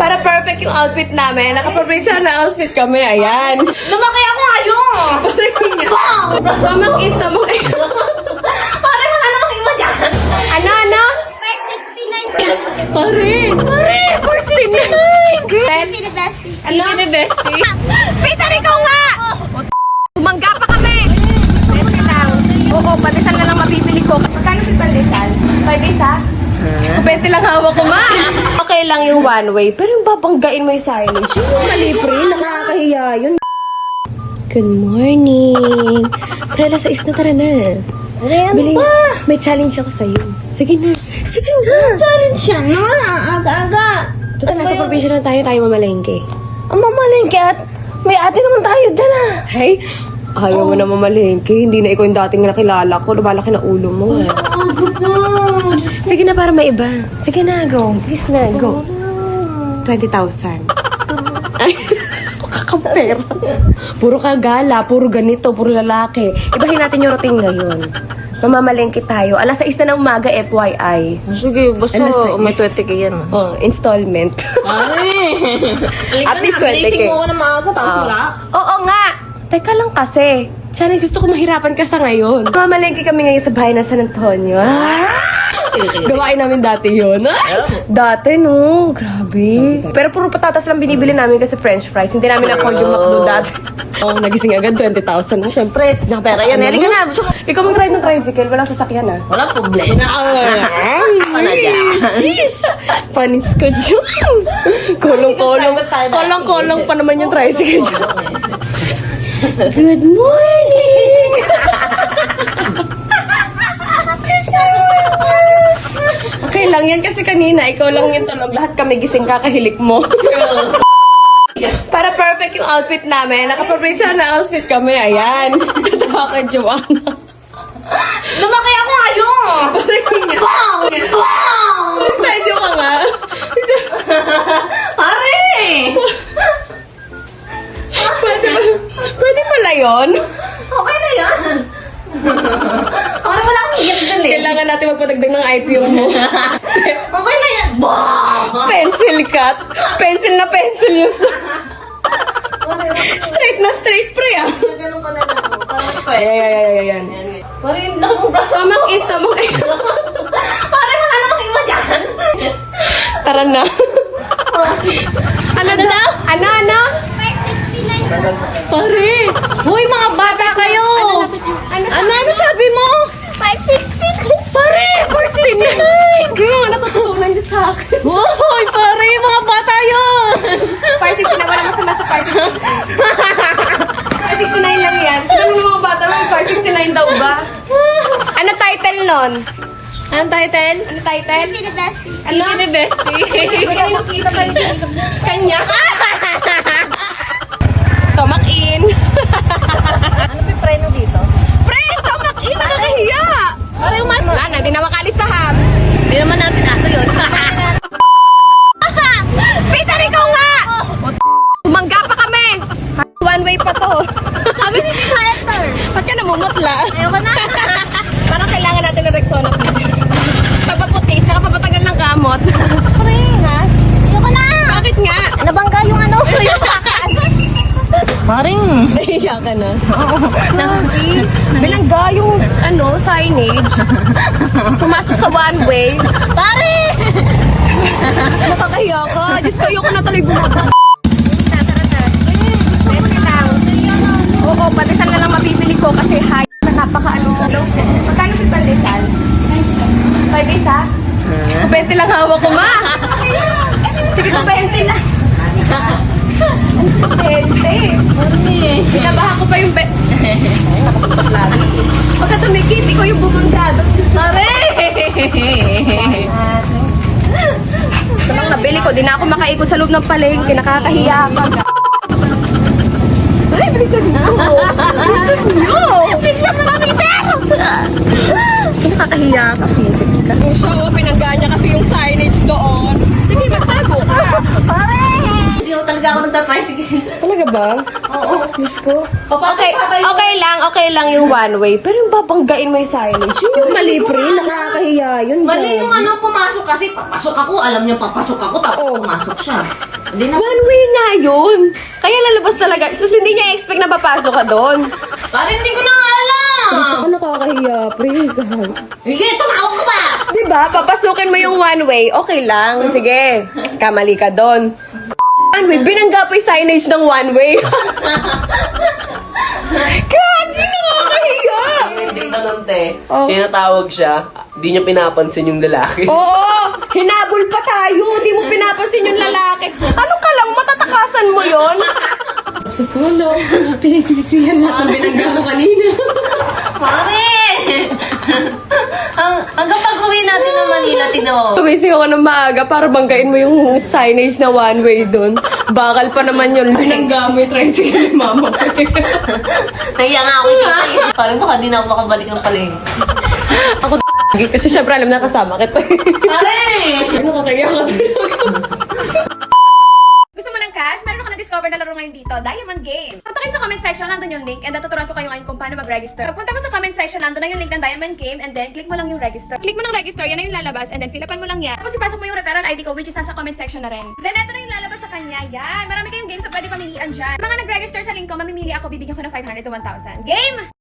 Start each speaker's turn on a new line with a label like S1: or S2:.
S1: Para perfect yung outfit namin. Naka-professional na outfit kami. Ayan.
S2: Lumaki ako ngayon!
S1: Samak is.
S2: Pare, wala namang iba dyan!
S1: Ano?
S2: 569 Pare! 469!
S1: Ano?
S2: Bestie!
S1: Peter, ikaw nga! Tumangga pa kami! Pwede lang. Oo, pandesal na lang mabibili ko. Magkano si pandesal? 5 isa? Kupente lang hawak ko, ma! Okay lang yung one way, pero yung babanggain mo yung signage, yung malibre, nakakahiya yun. Good morning! Pre, alas 6 na, tara na. Bili, may challenge ako sa'yo. Sige na.
S2: Challenge siya na! Aga-aga!
S1: Tuta, nasa provision na tayo mamalengke.
S2: Ang mamalengke at may ate naman tayo dyan ah!
S1: Hey, ayaw mo na mamalengke. Hindi na ikaw yung dating nakilala ko. Lumalaki na ulo mo eh. Sige na, para maiba. Sige na, go. Please na, go. 20,000. Ay, kakapera. Puro kagala, puro ganito, puro lalaki. Ibahin natin yung routine ngayon. Mamamalengke tayo. Alas 6 na ng umaga, FYI.
S2: Sige, basta
S1: Alas 6.
S2: may 20 ka yan.
S1: Oh, installment.
S2: Ay!
S1: At least 20K.
S2: Gising mo ako na maaga, tapos wala.
S1: Oo nga. Teka lang kasi. Tiyan, gusto ko mahirapan ka sa ngayon. Mamalengke kami ngayon sa bahay ng San Antonio. Gawain namin dati yun. Dati, no. Grabe. Pero puro patatas lang binibili namin kasi french fries. Hindi namin afford yung McDo dati. Oh, nagising agad 20,000.
S2: Siyempre, nakapera yan. Halika na.
S1: Ikaw mag-ride ng tricycle. Walang sasakyan, ah.
S2: Wala problema. Ano dyan?
S1: Panis ko dyan. Kolong-kolong pa naman yung tricycle dyan. Good morning! Okay lang yan kasi kanina, ikaw lang yung tulog. Lahat kami gising kakahilik mo. Para perfect yung outfit namin. Naka-professional na outfit kami. Ayan. Tatawa ka, Joanna.
S2: Lumaki ako ngayon!
S1: Excited ka nga.
S2: Pare!
S1: Pwede pala yun?
S2: Okay na yan! Pare, wala akong higit dali.
S1: Kailangan natin magpadagdag ng IPO mo.
S2: Okay na yan!
S1: Pencil cut. Pencil na pencil yung straight na straight, pre, ah.
S2: Ganun ka na lang. Parang pwede.
S1: Ayan.
S2: Pare, yung laki mong braso.
S1: Samak is.
S2: Pare, wala namang iba dyan.
S1: Tara na. Ano?
S2: 569 Pare! Hoy, mga bata kayo! Ano sabi mo? 569 Pare! 469!
S1: Kaya nga natutunan niyo sa akin.
S2: Hoy, pare! Mga bata yun!
S1: 569 na wala masama sa 569. 569 lang yan. Alam mo mga bata mo, 569 daw ba? Ano title nun?
S2: Anong title?
S1: Ano title?
S2: Ano? Kini Bestie.
S1: Kanya. Stomach in.
S2: Ano pa preno dito?
S1: Pre, stomach in! Nakakahiya!
S2: Pare,
S1: Wala na, di na makalisahan.
S2: Hindi naman natin aso yun.
S1: Peter, ikaw nga! Tumangga pa kami! One way pa to.
S2: Sabi ni Hector.
S1: Ba't ka namumutla?
S2: Ayoko na.
S1: Parang kailangan natin ng Rexona. Papaputi, tsaka papatagal ng gamot.
S2: Pare, ha? Ayoko na.
S1: Bakit nga?
S2: Nabangga yung ano. Yung kakaan. Maring.
S1: Nahiya ka na. Bilangga yung signage. Tapos pumasok sa one way.
S2: Pare!
S1: Nakakahiya ka. Diyos ko, ayoko na tuloy bumaba. Oo, pandesal na lang mabibili ko kasi high na napaka-ano. Magkano si pandesal? 5 isa? Kupente lang hawak ko, ma! Sige, kupente lang. Kupente. Binabaha ko pa yung Pagka tumikit, ikaw yung bumangga.
S2: Pare!
S1: Ito lang nabili ko. Di na ako makaikot sa loob ng palengke. Nakakahiya ka. Ay, bilisan nyo! Bilisan nyo!
S2: Bilisan mo namin pero!
S1: Nakakahiya ka. Pisip ka. Oo, pinanggaan niya kasi yung signage doon. Sige, magtago ka.
S2: Pare! Hindi mo talaga ako nagtatricycle.
S1: Talaga ba?
S2: Oo.
S1: Diyos ko.
S2: Papatay,
S1: Okay lang yung one way. Pero yung babanggain mo yung signage, yun yung mali, pre. Nakakahiya yun.
S2: Mali
S1: grabe.
S2: yung ano, pumasok kasi. Papasok ako. Alam niyo, papasok ako. Tapos pumasok siya. Hindi na.
S1: One way nga yun. Kaya lalabas talaga. So, hindi niya expect na papasok ka doon.
S2: Parang hindi ko na alam.
S1: Ako nakakahiya, pre.
S2: Sige, tumawag ko pa.
S1: Diba? Papasukin mo yung one way. Okay lang. Sige. Kamali ka doon. One way. Binangga pa yung signage ng one way. Grabe, nakakahiya.
S3: Hindi ka nun, te.
S1: Oh.
S3: Tinatawag siya, di niya pinapansin yung lalaki.
S1: Oo! Hinabol pa tayo! Di mo pinapansin yung lalaki. Ano ka lang? Matatakasan mo yon? Sa solo, pinagsisihan lahat ang binangga mo kanina.
S2: Pare! Hanggang pag-uwi natin ng Manila, Tino.
S1: Tumising ako ng maaga para banggain mo yung signage na one way doon. Bakal pa naman yun. Binangga mo yung tricycle ni mama ko.
S2: Nahiya nga ako kasi. Parang baka di na ako makabalik ng paling.
S1: Ako kasi syempre alam na kasama kita.
S2: Pare!
S1: Nakakaya ka talaga. Gusto mo ng cash? Meron ako na-discover na laro ngayon dito, Diamond Game. Punta kayo sa comment section, nandun yung link, and tuturuan ko kayo ngayon kung paano mag-register. Pagpunta mo sa comment section, nandun na yung link ng Diamond Game, and then click mo lang yung register. Click mo ng register, yan na yung lalabas, and then fill upan mo lang yan. Tapos ipasok mo yung referral ID ko, which is nasa comment section na rin. Then eto na yung lalabas sa kanya, yan. Marami kayong games na pwede pamilian dyan. Mga nag-register sa link ko, mamimili ako, bibigyan ko ng 500 to 1,000. Game!